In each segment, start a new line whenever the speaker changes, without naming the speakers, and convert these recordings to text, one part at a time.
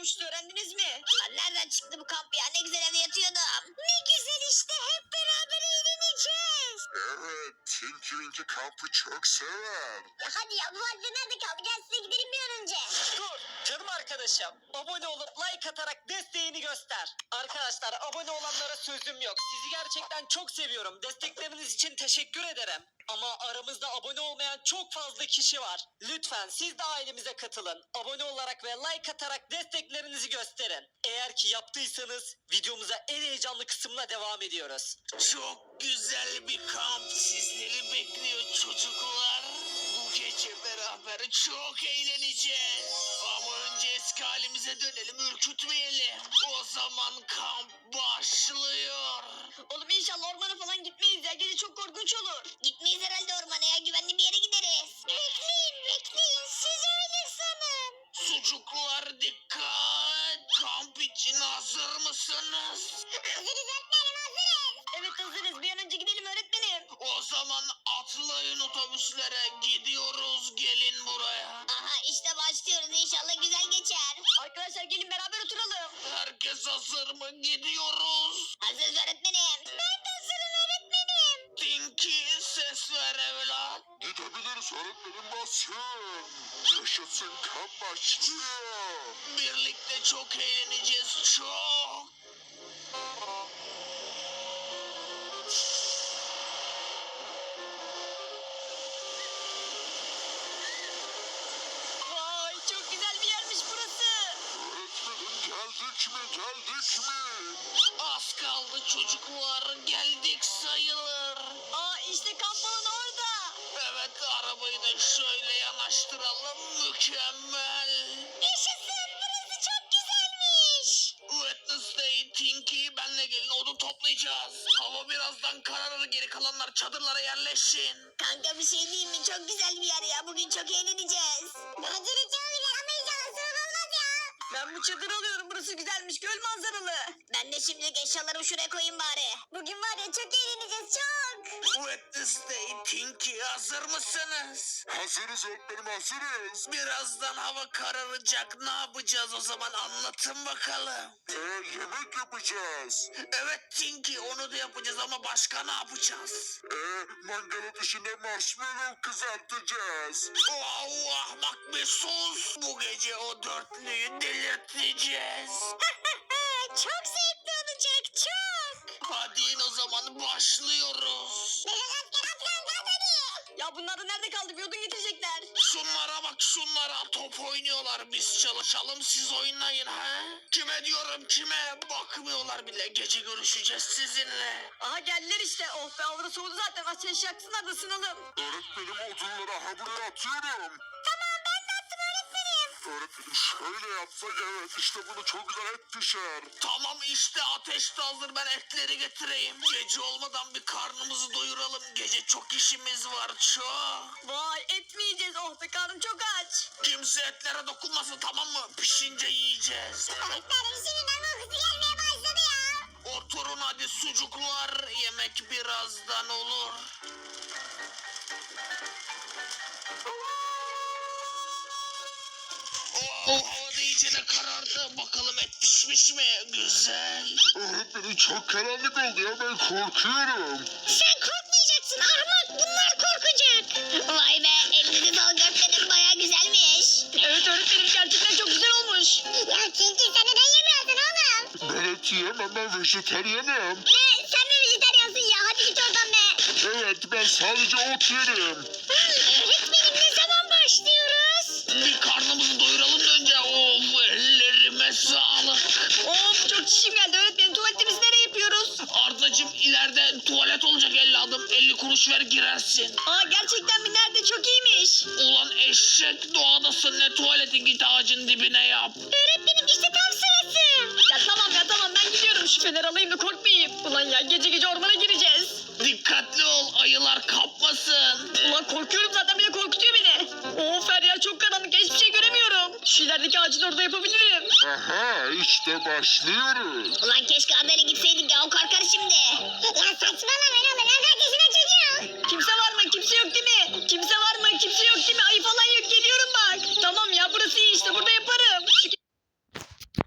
yokmuştu, öğrendiniz mi?
Lan nereden çıktı bu kamp ya? Ne güzel evde yatıyordum. Ne güzel işte, hep beraber eğleneceğiz.
Evet, Tinky Winky kampı çok sever.
Ya hadi ya, bu halde nerede kaldı? Gel size gidelim bir an önce.
Dur canım arkadaşım. Abone olup like atarak desteğini göster. Arkadaşlar abone olanlara sözüm yok. Sizi gerçekten çok seviyorum. Destekleriniz için teşekkür ederim. Ama aramızda abone olmayan çok fazla kişi var. Lütfen siz de ailemize katılın. Abone olarak ve like atarak desteklerinizi gösterin. Eğer ki yaptıysanız videomuza en heyecanlı kısımla devam ediyoruz.
Çok güzel bir kamp sizleri bekliyor çocuklar. Bu gece beraber çok eğleneceğiz. Ama önce eski halimize dönelim, ürkütmeyelim. O zaman kamp başlıyor.
Oğlum inşallah ormana falan gitmeyiz ya. Gece çok korkunç olur. Gitmeyiz herhalde ormana ya. Güvenli bir yere gideriz. Bekleyin. Siz öyle sanın.
Sucuklar dikkat. Kamp için hazır mısınız?
Hazırız öğretmenim, hazırız. Evet hazırız. Bir an önce gidelim öğretmenim.
O zaman atlayın otobüslere, gidiyoruz, gelin buraya.
Aha işte başlıyoruz. İnşallah güzel geçer. Arkadaşlar gelin beraber oturalım.
Herkes hazır mı? Gidiyoruz.
Hazırız öğretmenim. Ben de hazırım öğretmenim.
Tinky ses ver evlat.
Gidebiliriz öğretmenim, basın. Yaşasın, kamp başlıyor.
Birlikte çok eğleneceğiz, çok.
Vay çok güzel bir yermiş burası.
Öğretmenim, geldik mi?
Az kaldı çocuklar, geldik sayılır.
Aa işte kamp alanı orada.
Evet, arabayı da şöyle yanaştıralım, mükemmel.
Yaşasın, burası çok güzelmiş.
Wednesday, Tinky, benle gelin, odun toplayacağız. Hava birazdan kararır, geri kalanlar çadırlara yerleşin.
Kanka bir şey diyeyim mi? Çok güzel bir yer ya. Bugün çok eğleneceğiz. Bence de çok güzel ama inşallah soğuk olmaz ya.
Ben bu çadırı alıyorum. Burası güzelmiş. Göl manzaralı.
Ben de şimdilik eşyalarımı şuraya koyayım bari. Bugün var ya çok eğleneceğiz çok.
Wednesday, Tinky, hazır mısınız?
Hazırız öğretmenim, hazırız.
Birazdan hava kararacak, ne yapacağız o zaman, anlatın bakalım.
Yemek yapacağız.
Evet Tinky, onu da yapacağız ama başka ne yapacağız?
Mangalın dışında marshmallow kızartacağız.
Oh, ahmak bir sus. Bu gece o dörtlüyü delirteceğiz.
Çok zevkli olacak çok.
Hadi in o zaman, başlıyoruz.
Ya bunlar da nerede kaldı? Bir odun getirecekler.
Şunlara bak, şunlara top oynuyorlar, biz çalışalım siz oynayın ha. Kime diyorum, kime? Bakmıyorlar bile, gece görüşeceğiz sizinle.
Aha geldiler işte. Oh be hava soğudu zaten. Ateş yaksınlar da ısınalım.
Öğretmenim, odunları buraya atıyorum. Öğretmenim şöyle yapsak, evet işte bunu çok güzel et pişer.
Tamam işte, ateş de hazır, ben etleri getireyim. Gece olmadan bir karnımızı doyuralım, gece çok işimiz var, çok.
Vay etmeyeceğiz. Oh be karnım çok aç.
Kimse etlere dokunmasın, tamam mı? Pişince yiyeceğiz.
Öğretmenim şimdiden kokusu gelmeye başladı ya.
Oturun hadi sucuklar, yemek birazdan olur. Oh, hava da iyicene karardı. Bakalım et pişmiş mi? Güzel.
Öğretmenim çok karanlık oldu ya, ben korkuyorum.
Sen korkmayacaksın ahmak, bunlar korkacak. Vay be, elinizi sağlık öğretmenim, baya güzelmiş.
Evet öğretmenim gerçekten çok güzel olmuş.
Ya Tinky sen neden yemiyorsun oğlum?
Ben et yiyemem, ben vejetaryenim.
Ne? Sen mi vejetaryansın ya? Hadi git oradan be.
Evet, ben sadece ot yerim.
Öğretmenim ne zaman başlıyoruz?
Bir karnımızı doyuralım da önce. Of, ellerime sağlık.
Of çok çişim geldi öğretmenim. Tuvaletimizi nereye yapıyoruz?
Ardacığım, ileride tuvalet olacak, 50 adım. 50 kuruş ver, girersin.
Aa gerçekten mi? Nerede? Çok iyiymiş.
Ulan eşek, doğadasın, ne tuvaleti, git ağacın dibine yap.
Öğretmenim işte tam sırası.
Ya tamam ben gidiyorum. Şu feneri alayım da korkmayayım. Ulan ya gece gece ormana gireceğiz.
Dikkatli ol, ayılar kapmasın.
Ulan korkuyorum zaten, bir de korkutuyor beni. Of her yer çok karanlık, hiçbir şey göremiyorum. Şu ilerideki ağacın orada yapabilirim.
Aha, işte başlıyoruz.
Ulan keşke habere gitseydik ya, o korkar şimdi. Ya saçmalama ne olur, kaç yaşında çocuğum.
Kimse var mı? Kimse yok değil mi? Kimse var mı? Kimse yok değil mi? Ayı falan yok, geliyorum bak. Tamam ya burası iyi işte, burada yaparım. Şu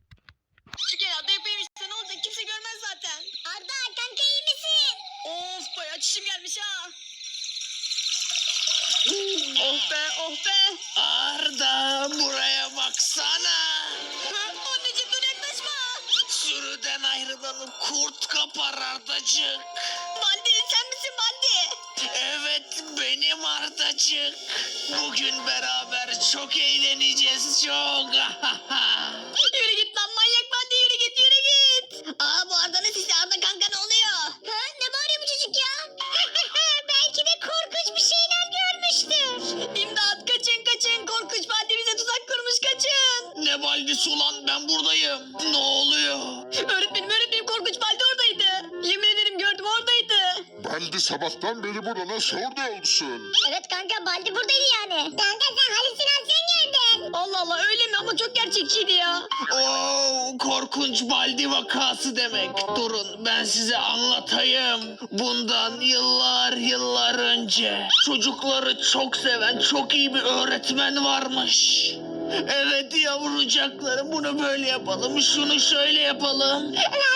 Oh be.
Arda buraya baksana.
Anneciğim dur yaklaşma.
Sürüden ayrılanı kurt kapar Ardacık.
Baldi sen misin Baldi?
Evet benim Ardacık. Bugün beraber çok eğleneceğiz çok.
Yürü git lan manyak Baldi yürü git yürü git. Aa bu Arda'nın sesi Arda kanka ne oluyor? Ha, ne bağırıyor bu çocuk ya? Belki de korkunç bir şeyler görmüştür. İmdat kaçın kaçın korkunç Baldi bize tuzak kurmuş kaçın.
Ne baldisi ulan ben buradayım. Ne oluyor?
Öğretmenim korkunç Baldi oradaydı. Yemin ederim gördüm oradaydı.
Baldi sabahtan beri burada nasıl orada olsun?
Evet kanka Baldi buradaydı yani. Kanka sen halüsinasyon gördün. Allah Allah öyle mi ama çok gerçekçiydi ya.
Oo, korkunç baldi vakası demek. Durun ben size anlatayım. Bundan yıllar önce çocukları çok seven çok iyi bir öğretmen varmış. Evet yavrucaklarım bunu böyle yapalım şunu şöyle yapalım.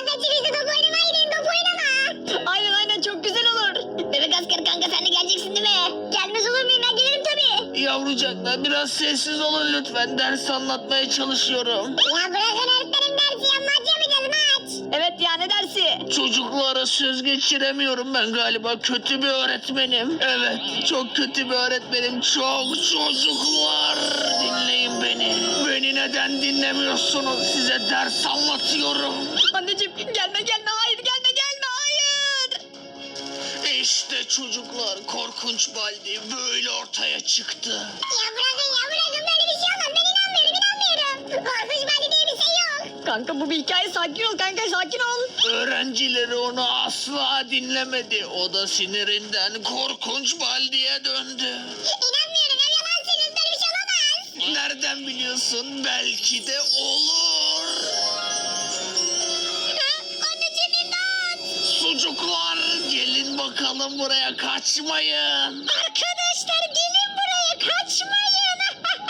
Aynen çok güzel olur. Bebek asker kanka sen de geleceksin değil mi? Gelmez olur muyum ben gelirim tabii.
Yavrucaklar biraz sessiz olun lütfen ders anlatmaya çalışıyorum.
Ya bırakın öğretmenim dersi ya maç yapacağız maç. Evet ya ne dersi?
Çocuklara söz geçiremiyorum ben galiba kötü bir öğretmenim. Evet çok kötü bir öğretmenim çok çocuklar dinleyin beni. Beni neden dinlemiyorsunuz size ders anlatıyorum.
Anneciğim gelme hayır gelme hayır.
İşte çocuklar korkunç baldi böyle ortaya çıktı.
Ya bırakın böyle bir şey olmaz ben inanmıyorum. Korkunç bende diye bir şey yok. Kanka bu bir hikaye sakin ol kanka sakin ol.
Öğrencileri onu asla dinlemedi. O da sinirinden korkunç baldiye döndü.
İnanmıyorum ya yalansınız böyle bir şey olamaz.
Nereden biliyorsun? Belki de olur.
Anneciğim imdat.
Sucuklar gelin bakalım buraya kaçmayın.
Arkadaşlar gelin buraya kaçmayın.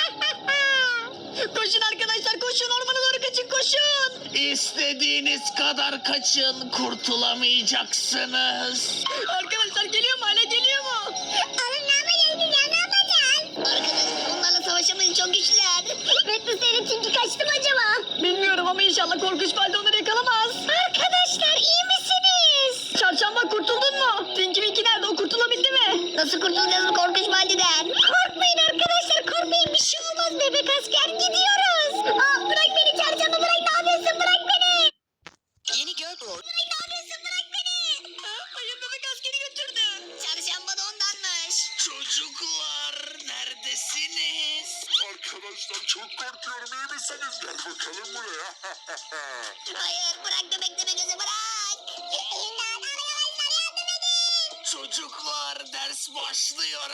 Koşun arkadaşlar koşun ormana doğru kaçın koşun.
İstediğiniz kadar kaçın kurtulamayacaksınız.
Arkadaşlar geliyor mu hala geliyor mu? Oğlum ne yapacağız biz ya ne yapacağız? Arkadaşlar bunlarla savaşamayız çok güçlüler. Redmi senin Tinky kaçtı mı acaba? Bilmiyorum ama inşallah korkunç balde onları yakalamaz. Arkadaşlar iyi misiniz? Çarşamba kurtuldun mu? Tinky Winky nerede o kurtulabildi mi? Nasıl kurtulacağız bu korkunç baldeden? Korkmayın arkadaşlar korkmayın bir şey olmaz bebek asker gidiyoruz. Aa, bırak beni çarşamba bırak ne yapıyorsun bırak beni.
Yeni Girl Bro.
Bırak ne yapıyorsun bırak beni. Hayır bebek askeri götürdü. Çarşamba da ondanmış.
Çocuklar neredesiniz?
Arkadaşlar çok korkuyorum iyi misiniz? Gel bakalım buraya.
Hayır bırak bebek gözü bırak. İmdat arkadaşlar yardım edin.
Çocuklar ders başlıyor.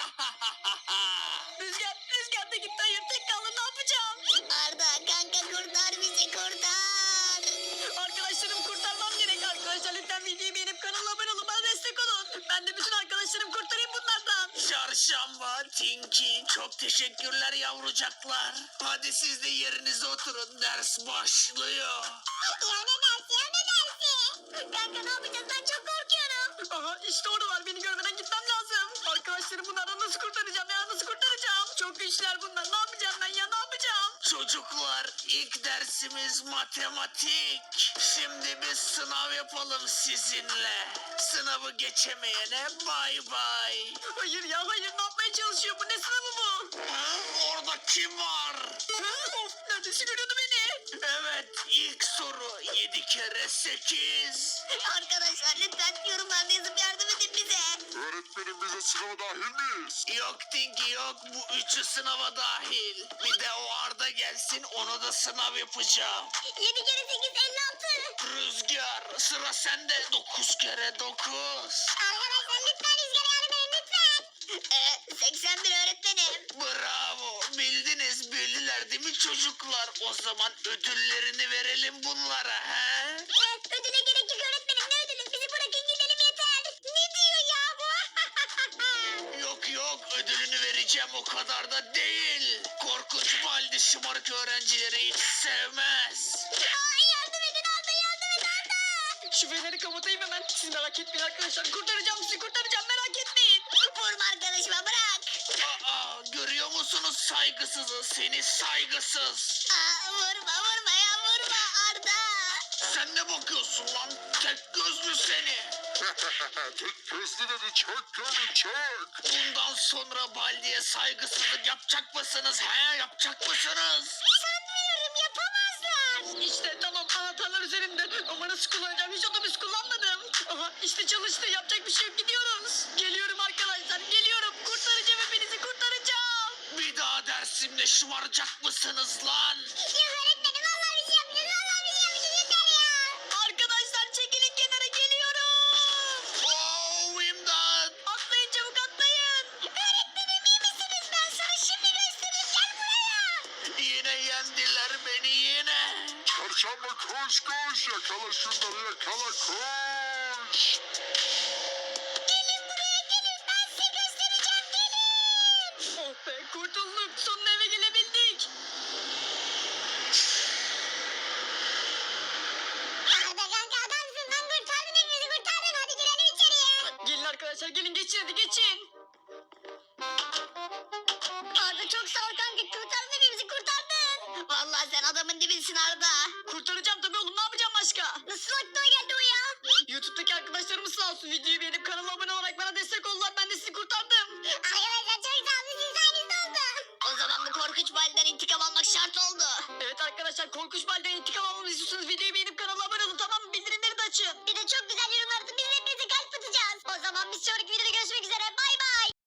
Rüzgar da gitti hayır tek kaldım ne yapacağım? Arda kanka kurtar bizi kurtar. Arkadaşlarım kurtarmam gerek arkadaşlar lütfen videoyu beğenip kanala abone olun bana destek olun. Ben de bütün arkadaşlarımı kurtarayım bunlardan.
Çarşamba, Tinky çok teşekkürler yavrucaklar. Hadi siz de yerinize oturun ders başlıyor.
Ya ne dersi? Kanka ne yapacağız ben çok korkuyorum. Aha işte oradalar beni görmeden gitmem lazım. Arkadaşlarım bunlardan nasıl kurtaracağım ya nasıl kurtaracağım? Çok güçler bunlar ne yapacağım ben ya ne yapacağım?
Çocuklar ilk dersimiz matematik. Şimdi bir sınav yapalım sizinle. Sınavı geçemeyene bay bay.
Hayır ya hayır ne yapmaya çalışıyor bu ne sınavı bu?
Orada kim var?
Of neredeyse görüyordu beni.
Evet ilk soru 7 kere 8.
Arkadaşlar lütfen yorumlarda yazıp yardım edin bize.
Öğretmenim bize sınava dahil miyiz?
Yok Tinky yok bu üçü sınava dahil. Bir de o Arda gelsin onu da sınav yapacağım.
7 kere 8 56.
Rüzgar sıra sende 9 kere 9.
Arkadaşlar lütfen Rüzgar'a yardım edin lütfen. 81 öğretmenim.
Bravo bildiniz bildiler değil mi çocuklar? O zaman ödüllerini verelim bunlara he?
Ödüle gerek yok öğretmenim ne ödülü bizi bırakın gidelim yeter. Ne diyor ya bu?
Yok ödülünü vereceğim o kadar da değil. Korkunç baldi şımarık öğrencileri hiç sevmez.
Ay yardım edin Arda yardım et Arda. Şu feneri kapatayım hemen. Siz merak etmeyin arkadaşlar. Kurtaracağım sizi kurtaracağım merak etmeyin. Vurma arkadaşıma bırak.
Aa görüyor musun? musunuz saygısızı seni saygısız?
Vurma ya vurma Arda.
Sen ne bakıyorsun lan? Tek gözlü seni.
Tek gözlü dedi çok komik çok.
Bundan sonra Baldi'ye saygısızlık yapacak mısınız? He yapacak mısınız?
Sanmıyorum yapamazlar.
İşte tamam anahtarlar üzerimde. Ama nasıl kullanacağım? Hiç otobüs kullanmadım. Aha işte çalıştı. Yapacak bir şey yok. Gidiyoruz. Geliyorum arkadaşlar. Geliyorum. Kurtaracağım hepinizi kurtaracağım.
Bir daha dersimde şımaracak mısınız lan?
Ya öğretmenim vallahi bir şey yapmayacağız. Vallahi bir şey yapmayacağız yeter ya.
Arkadaşlar çekilin kenara geliyorum.
Oh imdat!
Atlayın çabuk atlayın.
Öğretmenim iyi misiniz? Ben sana şimdi göstereyim. Gel buraya.
Yine yendiler beni yine.
Çarşamba koş koş yakala şunları yakala koş.
Gelin buraya gelin. Ben size göstereceğim. Gelin.
Oh be kurtulduk. Sonunda eve gelebildik.
Arda kanka adamsın lan. Kurtardın hepimizi kurtardın. Hadi girelim içeriye.
Gelin arkadaşlar gelin geçin hadi geçin.
Arda çok sağ ol kanka. Kurtardın hepimizi kurtardın. Vallahi sen adamın dibisin Arda.
Kurtaracağım tabii oğlum ne yapacağım başka?
Nasıl aklına geldi o ya?
YouTube'daki arkadaşlarımız sağ olsun videoyu